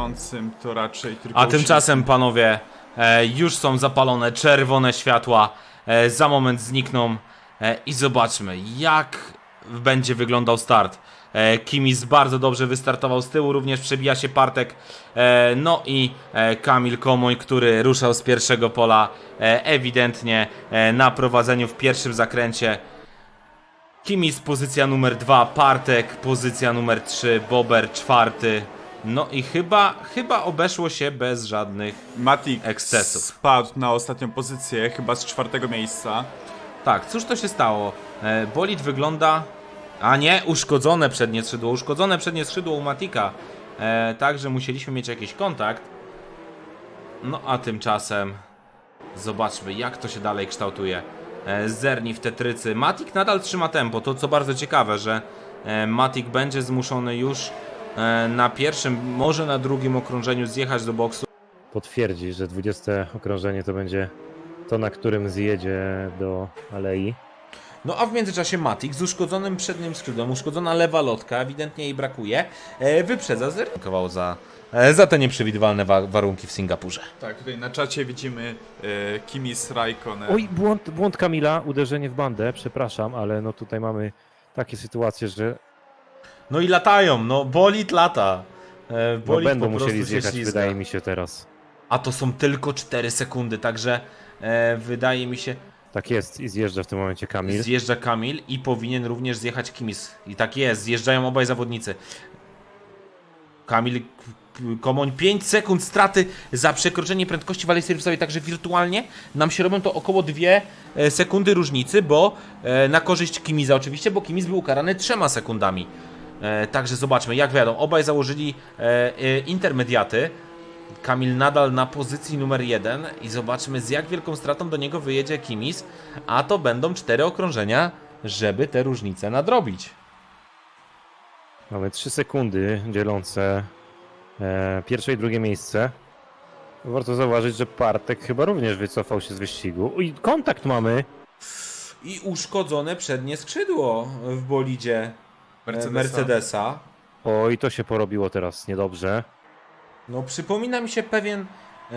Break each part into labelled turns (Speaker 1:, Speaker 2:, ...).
Speaker 1: atakującym to raczej tylko...
Speaker 2: A tymczasem, panowie, już są zapalone czerwone światła. Za moment znikną. I zobaczmy, jak będzie wyglądał start. Kimis bardzo dobrze wystartował z tyłu, również przebija się Partek. No i Kamil Komoń, który ruszał z pierwszego pola, ewidentnie na prowadzeniu w pierwszym zakręcie. Kimis pozycja numer 2, Partek pozycja numer 3, Bober 4. No i chyba obeszło się bez żadnych
Speaker 1: Matic
Speaker 2: ekscesów.
Speaker 1: spadł na ostatnią pozycję, chyba z 4. miejsca.
Speaker 2: Tak, cóż to się stało? Bolid wygląda... A nie, uszkodzone przednie skrzydło u Matika. Także musieliśmy mieć jakiś kontakt. No a tymczasem zobaczmy, jak to się dalej kształtuje. Zerni w tetrycy. Matik nadal trzyma tempo, to co bardzo ciekawe, że Matik będzie zmuszony już na pierwszym, może na drugim okrążeniu zjechać do boksu.
Speaker 3: Potwierdzi, że 20 okrążenie to będzie to, na którym zjedzie do alei.
Speaker 2: No a w międzyczasie Matik z uszkodzonym przednim skrzydłem, uszkodzona lewa lotka, ewidentnie jej brakuje, wyprzedza zerkował za te nieprzewidywalne warunki w Singapurze.
Speaker 1: Tak, tutaj na czacie widzimy Kimis Raikkonen.
Speaker 3: Oj, błąd Kamila, uderzenie w bandę, przepraszam, ale no tutaj mamy takie sytuacje, że
Speaker 2: No i latają, no bolid lata.
Speaker 3: no
Speaker 2: Bolid
Speaker 3: będą
Speaker 2: po prostu
Speaker 3: musieli
Speaker 2: się
Speaker 3: zjechać,
Speaker 2: ślizga.
Speaker 3: wydaje mi się teraz.
Speaker 2: A to są tylko 4 sekundy, także wydaje mi się,
Speaker 3: Tak jest i zjeżdża w tym momencie Kamil.
Speaker 2: zjeżdża Kamil i powinien również zjechać Kimis. I tak jest, zjeżdżają obaj zawodnicy. Kamil Komoń 5 sekund straty za przekroczenie prędkości w alei serwisowej, także wirtualnie nam się robią to około 2 sekundy różnicy, bo na korzyść Kimiza oczywiście, bo Kimis był ukarany 3 sekundami. Także zobaczmy, jak wiadomo, obaj założyli intermediaty. Kamil nadal na pozycji numer 1 i zobaczmy, z jak wielką stratą do niego wyjedzie Kimis, a to będą 4 okrążenia, żeby te różnice nadrobić.
Speaker 3: Mamy 3 sekundy dzielące pierwsze i drugie miejsce. Warto zauważyć, że Partek chyba również wycofał się z wyścigu. I kontakt mamy.
Speaker 2: I uszkodzone przednie skrzydło w bolidzie Mercedesa.
Speaker 3: Oj, to się porobiło teraz niedobrze.
Speaker 2: No przypomina mi się pewien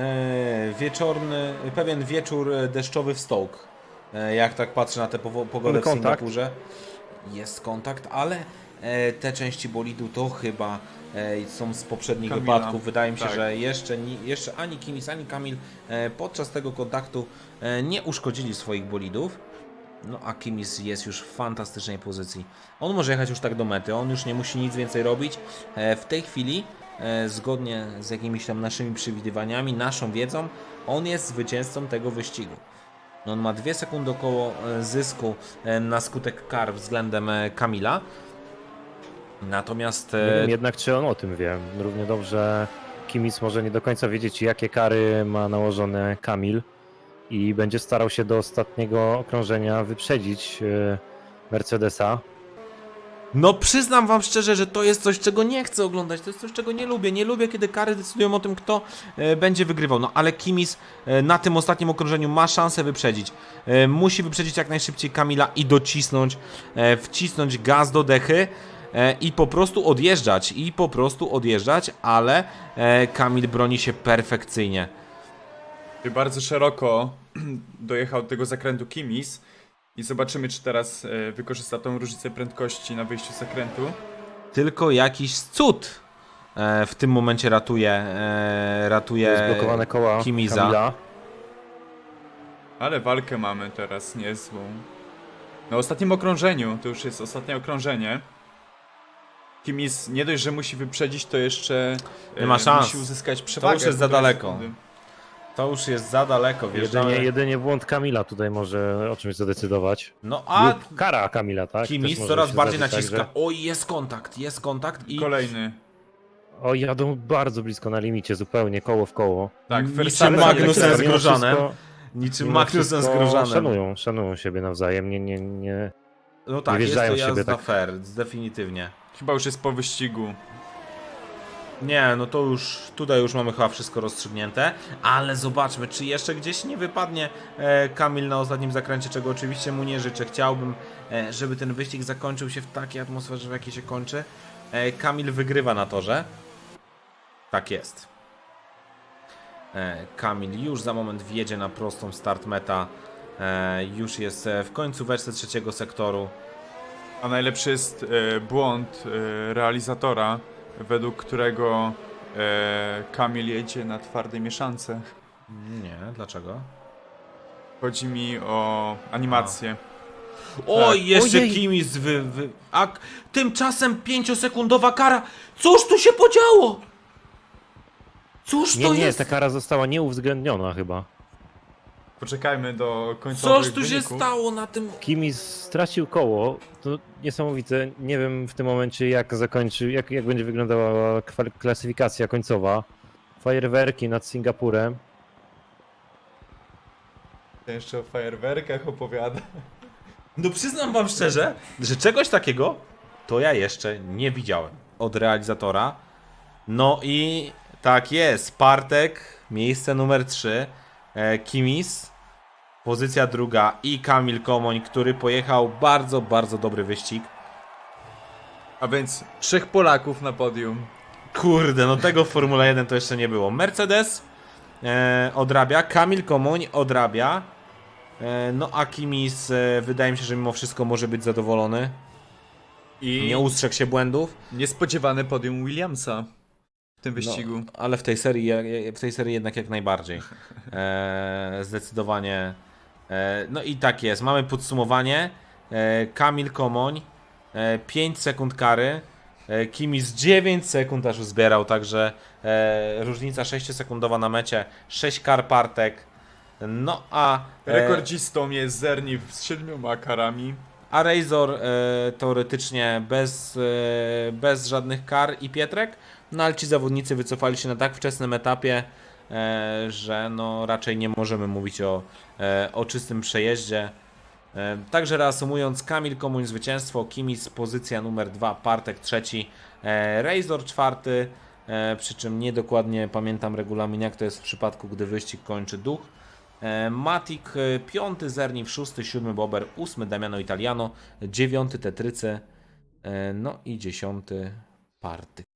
Speaker 2: pewien wieczór deszczowy w Stoke. Jak tak patrzę na tę pogodę w
Speaker 3: Kontakt.
Speaker 2: Singapurze. Jest kontakt, ale te części bolidu to chyba są z poprzednich
Speaker 1: Kamila.
Speaker 2: wypadków. Wydaje mi się,
Speaker 1: Tak.
Speaker 2: że jeszcze ani Kimis, ani Kamil podczas tego kontaktu nie uszkodzili swoich bolidów. No a Kimis jest już w fantastycznej pozycji. On może jechać już tak do mety, on już nie musi nic więcej robić. W tej chwili, zgodnie z jakimiś tam naszymi przewidywaniami, naszą wiedzą, on jest zwycięzcą tego wyścigu. No on ma 2 sekundy około zysku na skutek kar względem Kamila. Natomiast...
Speaker 3: Nie wiem jednak, czy on o tym wie. Równie dobrze Kimis może nie do końca wiedzieć, jakie kary ma nałożone Kamil i będzie starał się do ostatniego okrążenia wyprzedzić Mercedesa.
Speaker 2: No przyznam wam szczerze, że to jest coś, czego nie chcę oglądać, to jest coś, czego nie lubię. Nie lubię, kiedy kary decydują o tym, kto będzie wygrywał. No ale Kimis na tym ostatnim okrążeniu ma szansę wyprzedzić. Musi wyprzedzić jak najszybciej Kamila i docisnąć, wcisnąć gaz do dechy i po prostu odjeżdżać, ale Kamil broni się perfekcyjnie.
Speaker 1: Bardzo szeroko dojechał do tego zakrętu Kimis i zobaczymy, czy teraz wykorzysta tą różnicę prędkości na wyjściu z zakrętu.
Speaker 2: Tylko jakiś cud w tym momencie ratuje
Speaker 3: Zblokowane koła
Speaker 2: Kimiza.
Speaker 3: Kamila.
Speaker 1: Ale walkę mamy teraz niezłą. Na ostatnim okrążeniu, to już jest ostatnie okrążenie. Kimis nie dość, że musi wyprzedzić, to jeszcze
Speaker 2: Nie ma szans.
Speaker 1: musi uzyskać przewagę.
Speaker 2: już jest za
Speaker 1: 1,5
Speaker 2: daleko.
Speaker 1: sekundy.
Speaker 2: To już jest za daleko,
Speaker 3: Jedynie błąd Kamila tutaj może o czymś zadecydować.
Speaker 2: No a
Speaker 3: Lub kara Kamila, tak? Też
Speaker 2: Kimis
Speaker 3: może
Speaker 2: coraz
Speaker 3: się
Speaker 2: bardziej
Speaker 3: zdarzyć
Speaker 2: naciska.
Speaker 3: tak, że-
Speaker 2: Oj, jest kontakt i
Speaker 1: Kolejny.
Speaker 3: O, jadą bardzo blisko na limicie, zupełnie koło w koło.
Speaker 1: Tak,
Speaker 2: niczym
Speaker 1: Verstappen
Speaker 2: Magnussen z
Speaker 3: Mimo
Speaker 2: Groszanem.
Speaker 3: wszystko-
Speaker 2: Niczym
Speaker 3: mimo
Speaker 2: Magnussen z
Speaker 3: wszystko
Speaker 2: Groszanem.
Speaker 3: Szanują siebie nawzajem, nie.
Speaker 2: No tak,
Speaker 3: nie
Speaker 2: jest to
Speaker 3: wjeżdżają w siebie
Speaker 2: jazda
Speaker 3: tak.
Speaker 2: fair, definitywnie.
Speaker 1: Chyba już jest po wyścigu.
Speaker 2: Nie, no to już, tutaj już mamy chyba wszystko rozstrzygnięte, ale zobaczmy, czy jeszcze gdzieś nie wypadnie Kamil na ostatnim zakręcie, czego oczywiście mu nie życzę. Chciałbym, żeby ten wyścig zakończył się w takiej atmosferze, w jakiej się kończy. Kamil wygrywa na torze. Tak jest. Kamil już za moment wjedzie na prostą start meta. Już jest w końcóweczce trzeciego sektoru.
Speaker 1: A najlepszy jest błąd realizatora, według którego Kamil jedzie na twardej mieszance.
Speaker 2: Nie, dlaczego?
Speaker 1: Chodzi mi o animację.
Speaker 2: Oj, jeszcze
Speaker 3: Ojej.
Speaker 2: Kimis a tymczasem 5-sekundowa kara. Cóż tu się podziało? Cóż to
Speaker 3: Nie,
Speaker 2: jest?
Speaker 3: ta kara została nieuwzględniona chyba.
Speaker 1: Poczekajmy do końcowych
Speaker 2: Coś tu się
Speaker 1: wyników.
Speaker 2: stało na tym...
Speaker 3: Kimis stracił koło, to niesamowite. Nie wiem w tym momencie jak zakończy, jak będzie wyglądała klasyfikacja końcowa. Fajerwerki nad Singapurem.
Speaker 1: Jeszcze o fajerwerkach opowiada.
Speaker 2: No przyznam wam szczerze, że czegoś takiego to ja jeszcze nie widziałem od realizatora. No i tak jest, Partek, miejsce numer 3, Kimis, pozycja druga i Kamil Komoń, który pojechał bardzo, bardzo dobry wyścig.
Speaker 1: A więc 3 Polaków na podium.
Speaker 2: Kurde, no tego w Formule 1 to jeszcze nie było. Mercedes odrabia, Kamil Komoń odrabia. No a Kimis wydaje mi się, że mimo wszystko może być zadowolony.
Speaker 1: I
Speaker 2: Nie ustrzegł się błędów.
Speaker 1: niespodziewane podium Williamsa w tym wyścigu.
Speaker 2: No, ale w tej serii jednak jak najbardziej. Zdecydowanie. No i tak jest. Mamy podsumowanie. Kamil Komoń 5 sekund kary. Kimis 9 sekund aż zbierał, także różnica 6-sekundowa na mecie. 6 kar Partek. No a
Speaker 1: Rekordzistą jest Zerni z 7 karami.
Speaker 2: a Razor teoretycznie bez żadnych kar i Pietrek, no ale ci zawodnicy wycofali się na tak wczesnym etapie, że no raczej nie możemy mówić o czystym przejeździe. Także reasumując, Kamil Komuń zwycięstwo, Kimis pozycja numer 2, Partek trzeci, Razor czwarty, przy czym niedokładnie pamiętam regulamin, jak to jest w przypadku, gdy wyścig kończy duch. Matic 5, Zerniw 6, 7 Bober, 8 Damiano Italiano, 9 Tetrycy, no i 10 Partyk.